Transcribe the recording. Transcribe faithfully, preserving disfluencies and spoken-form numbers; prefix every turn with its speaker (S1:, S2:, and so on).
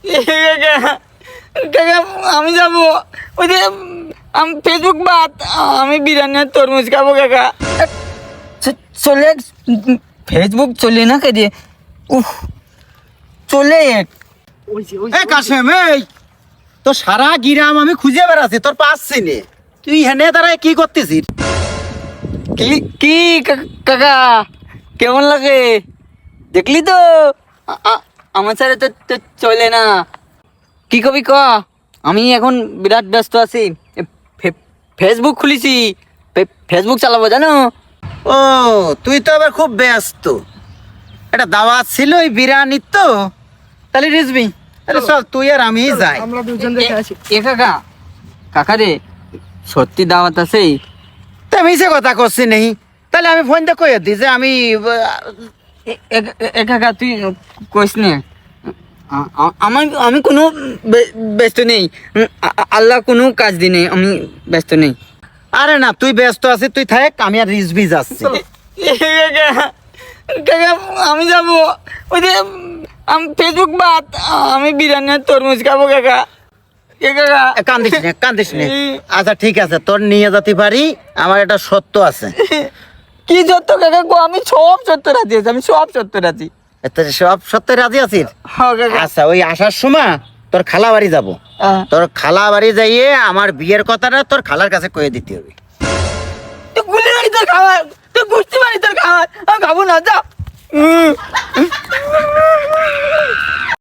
S1: কাকা আমি যাবো ওই যে আমি ফেসবুক বাদ আমি বিরিয়ানি আর তরমুজ খাবো কাকা। চ- চলে ফেসবুক চলে না কে দিয়ে উফ চলে
S2: এ কাশেম, এই তো সারা গিরাম আমি খুঁজে বেড়াচ্ছি, তোর পাচ্ছি নে। তুই হেনে দাঁড়ায় কি করতেছিস?
S1: কি কি কা- কাকা কেমন লাগে দেখলি তো আ- আ- আমার সাথে তো তো চলে না। কি কবি ক আমি এখন বিরাট ব্যস্ত আছি। এ ফে- ফেসবুক খুলেছি, ফে- ফেসবুক চালাবো জানো।
S2: ও তুই তো আবার খুব ব্যস্ত। এটা দাওয়াত ছিল ওই বিরিয়ানির তো, তাহলে রিজবি আরে চল তুই আর আমি যাই।
S3: আমরা দুজন দেখে আসি।
S1: এ কাকা কাকা রে সত্যি দাওয়াত আছে?
S2: তা মিছে কথা করছি নেই, তাহলে আমি ফোন দিয়ে কয়ে দিই যে আমি আহ,
S1: এ- এ- এ কাকা তুই কইস নে আ- আ- আমার আমি কোনো বে- ব্যস্ত নেই। উম, আ- আ- আল্লাহ কোনো কাজ দি নেই, আমি ব্যস্ত নেই।
S2: আরে না তুই ব্যস্ত আছিস, তুই থাক, আমি আর রিজবি যাচ্ছি।
S1: কাকা আমি যাবো ওই যে আমি ফেসবুক বাদ আমি বিরিয়ানি আর তরমুজ খাবো কাকা। এ কাকা
S2: এ, কান্দিস নে কান্দিস নে। আচ্ছা ঠিক আছে, তোর নিয়ে যেতে পারি, আমার একটা সত্য আছে।
S1: কি সত্য কাকা গো, আমি সব সত্য রাজি আছি, আমি সব সত্য রাজি।
S2: এত সব সত্য রাজি আছিস?
S1: হ্যাঁ কাকা।
S2: আচ্ছা ওই আসার সময় তোর খালা বাড়ি যাবো,
S1: আহ,
S2: তোর খালা বাড়ি যাইয়ে আমার বিয়ের কথাটা তোর খালার কাছে কয়ে দিতে হবে।
S1: তুই গুলি মারি তোর খাবার, তুই গুষ্টি মারি তোর খাবার, আমি খাবো না যা।